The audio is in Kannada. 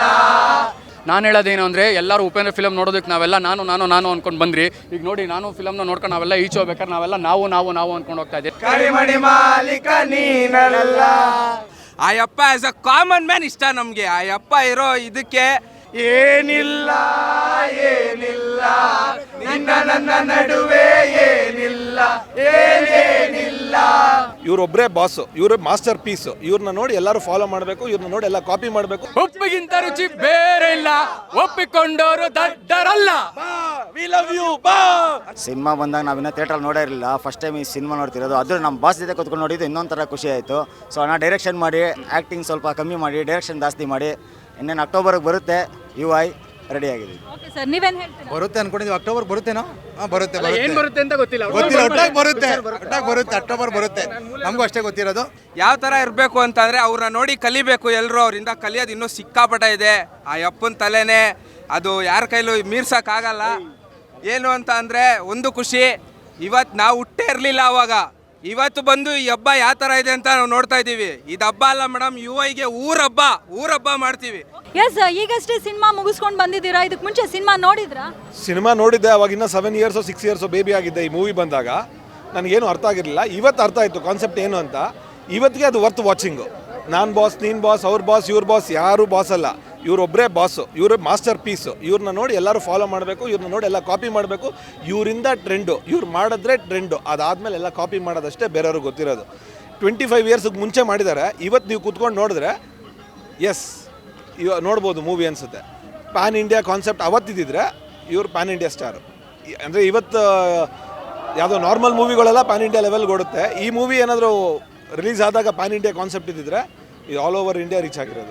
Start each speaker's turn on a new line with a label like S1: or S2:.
S1: ನಾನು ಹೇಳೋದೇನು ಅಂದರೆ ಎಲ್ಲರೂ ಉಪೇಂದ್ರ ಫಿಲಮ್ ನೋಡೋದಕ್ಕೆ ನಾವೆಲ್ಲ ನಾನು ಅಂದ್ಕೊಂಡು ಬಂದ್ರಿ. ಈಗ ನೋಡಿ ನಾನು ಫಿಲಮ್ನ ನೋಡ್ಕೊಂಡು ನಾವೆಲ್ಲ ಈಚೆ ಹೋಗ್ಬೇಕಾದ್ರೆ ನಾವೆಲ್ಲ ನಾವು ಅಂದ್ಕೊಂಡು ಹೋಗ್ತಾ ಇದ್ದೀವಿ.
S2: ಕರಿಮಣಿ ಮಾಲೀಕ ನೀನಲ್ಲ. ಆಯಪ್ಪ ಆಸ್ ಅ ಕಾಮನ್ ಮ್ಯಾನ್ ಇಷ್ಟ ನಮಗೆ. ಆಯಪ್ಪ ಇರೋ ಇದಕ್ಕೆ ಏನಿಲ್ಲ ನಿನ್ನ ನನ್ನ ನಡುವೆ ಏನಿಲ್ಲ ಏನೇನಿಲ್ಲ.
S3: ಇವರೊಬ್ಬರೇ ಬಾಸು, ಇವರು ಮಾಸ್ಟರ್ ಪೀಸು. ಇವ್ರನ್ನ ನೋಡಿ ಎಲ್ಲರೂ ಫಾಲೋ ಮಾಡಬೇಕು, ಇವ್ರನ್ನ ನೋಡಿ ಎಲ್ಲ ಕಾಪಿ ಮಾಡಬೇಕು.
S1: ಒಪ್ಪಿಗಿಂತ ರುಚಿ ಬೇರೆ ಇಲ್ಲ, ಒಪ್ಪಿಕೊಂಡವರು ದಡ್ಡರಲ್ಲ.
S3: ವಿ ಲವ್ ಯು ಬಾ.
S4: ಸಿನಿಮಾ ಬಂದಾಗ ನಾವಿನ್ನ ಥಿಯೇಟ್ರಲ್ಲಿ ನೋಡೇ ಇರಲಿಲ್ಲ, ಫಸ್ಟ್ ಟೈಮ್ ಈ ಸಿನಿಮಾ ನೋಡ್ತಿರೋದು. ಅದು ನಮ್ಮ ಬಾಸ್ ಜೊತೆ ಕೂತ್ಕೊಂಡು ನೋಡಿದ್ದು ಇನ್ನೊಂದು ಥರ ಖುಷಿ ಆಯಿತು. ಸೊ ಅಣ್ಣ ಡೈರೆಕ್ಷನ್ ಮಾಡಿ, ಆ್ಯಕ್ಟಿಂಗ್ ಸ್ವಲ್ಪ ಕಮ್ಮಿ ಮಾಡಿ, ಡೈರೆಕ್ಷನ್ ಜಾಸ್ತಿ ಮಾಡಿ, ಇನ್ನೇನು ಅಕ್ಟೋಬರ್ಗೆ ಬರುತ್ತೆ UI ರೆಡಿ ಆಗಿದೆ.
S5: ಓಕೆ ಸರ್, ನೀವೇನು ಹೇಳ್ತೀರಾ?
S6: ಬರುತ್ತೆ ಅನ್ಕೊಂಡಿದ್ವಿ. ಅಕ್ಟೋಬರ್ ಬರುತ್ತೇನೋ? ಬರುತ್ತೆ
S1: ಏನು ಬರುತ್ತೆ ಅಂತ ಗೊತ್ತಿಲ್ಲ.
S6: ಒಟ್ಟಾಗಿ ಬರುತ್ತೆ ಅಕ್ಟೋಬರ್ ಬರುತ್ತೆ. ನಮಗೂ ಅಷ್ಟೇ ಗೊತ್ತಿರೋದು.
S2: ಯಾವ ಥರ ಇರಬೇಕು ಅಂತಂದರೆ ಅವ್ರನ್ನ ನೋಡಿ ಕಲಿಬೇಕು ಎಲ್ಲರೂ. ಅವರಿಂದ ಕಲಿಯೋದು ಇನ್ನೂ ಸಿಕ್ಕಾಪಟ್ಟ ಇದೆ. ಆ ಅಪ್ಪನ ತಲೆನೇ ಅದು ಯಾರ ಕೈಲೂ ಮೀರ್ಸೋಕ್ಕಾಗಲ್ಲ. ಏನು ಅಂತ ಅಂದರೆ ಒಂದು ಖುಷಿ, ಇವತ್ತು ನಾವು ಹುಟ್ಟೇ ಇರಲಿಲ್ಲ ಅವಾಗ. ಇವತ್ತು ಬಂದು ಈ ಹಬ್ಬ ಯಾವ ಥರ ಇದೆ ಅಂತ ನಾವು ನೋಡ್ತಾ ಇದ್ದೀವಿ. ಇದು ಹಬ್ಬ ಅಲ್ಲ ಮೇಡಮ್, UIಗೆ ಊರಹಬ್ಬ ಮಾಡ್ತೀವಿ.
S5: ಎಸ್, ಈಗಷ್ಟೇ ಸಿನಿಮಾ ಮುಗಿಸ್ಕೊಂಡು ಬಂದಿದ್ದೀರಾ. ಇದಕ್ಕೆ ಮುಂಚೆ ಸಿನಿಮಾ ನೋಡಿದ್ರಾ?
S3: ಸಿನಿಮಾ ನೋಡಿದ್ದೆ, ಅವಾಗಿನ್ನ 7 ಇಯರ್ಸೋ 6 ಇಯರ್ಸೋ ಬೇಬಿ ಆಗಿದ್ದೆ. ಈ ಮೂವಿ ಬಂದಾಗ ನನಗೇನು ಅರ್ಥ ಆಗಿರಲಿಲ್ಲ. ಇವತ್ತು ಅರ್ಥ ಆಯಿತು ಕಾನ್ಸೆಪ್ಟ್ ಏನು ಅಂತ. ಇವತ್ತಿಗೆ ಅದು ವರ್ತ್ ವಾಚಿಂಗು. ನಾನು ಬಾಸ್, ನೀನು ಬಾಸ್, ಅವ್ರ ಬಾಸ್, ಇವ್ರ ಬಾಸ್, ಯಾರು ಬಾಸ್ ಅಲ್ಲ. ಇವರೊಬ್ಬರೇ ಬಾಸು, ಇವರು ಮಾಸ್ಟರ್ ಪೀಸು. ಇವ್ರನ್ನ ನೋಡಿ ಎಲ್ಲರೂ ಫಾಲೋ ಮಾಡಬೇಕು, ಇವ್ರನ್ನ ನೋಡಿ ಎಲ್ಲ ಕಾಪಿ ಮಾಡಬೇಕು. ಇವರಿಂದ ಟ್ರೆಂಡು, ಇವ್ರು ಮಾಡಿದ್ರೆ ಟ್ರೆಂಡು. ಅದಾದಮೇಲೆ ಎಲ್ಲ ಕಾಪಿ ಮಾಡೋದಷ್ಟೇ ಬೇರೆಯವ್ರಿಗೆ ಗೊತ್ತಿರೋದು. 25 ಇಯರ್ಸಿಗೆ ಮುಂಚೆ ಮಾಡಿದ್ದಾರೆ. ಇವತ್ತು ನೀವು ಕೂತ್ಕೊಂಡು ನೋಡಿದ್ರೆ ಎಸ್ ನೋಡ್ಬೋದು ಮೂವಿ ಅನಿಸುತ್ತೆ. ಪ್ಯಾನ್ ಇಂಡಿಯಾ ಕಾನ್ಸೆಪ್ಟ್ ಅವತ್ತಿದ್ದಿದ್ರೆ ಇವ್ರು ಪ್ಯಾನ್ ಇಂಡಿಯಾ ಸ್ಟಾರು. ಅಂದರೆ ಇವತ್ತು ಯಾವುದೋ ನಾರ್ಮಲ್ ಮೂವಿಗಳೆಲ್ಲ ಪ್ಯಾನ್ ಇಂಡಿಯಾ ಲೆವೆಲ್ಗೆ ಓಡುತ್ತೆ. ಈ ಮೂವಿ ಏನಾದರೂ ರಿಲೀಸ್ ಆದಾಗ ಪ್ಯಾನ್ ಇಂಡಿಯಾ ಕಾನ್ಸೆಪ್ಟ್ ಇದ್ದಿದ್ರೆ ಇದು ಆಲ್ ಓವರ್ ಇಂಡಿಯಾ ರೀಚ್ ಆಗಿರೋದು.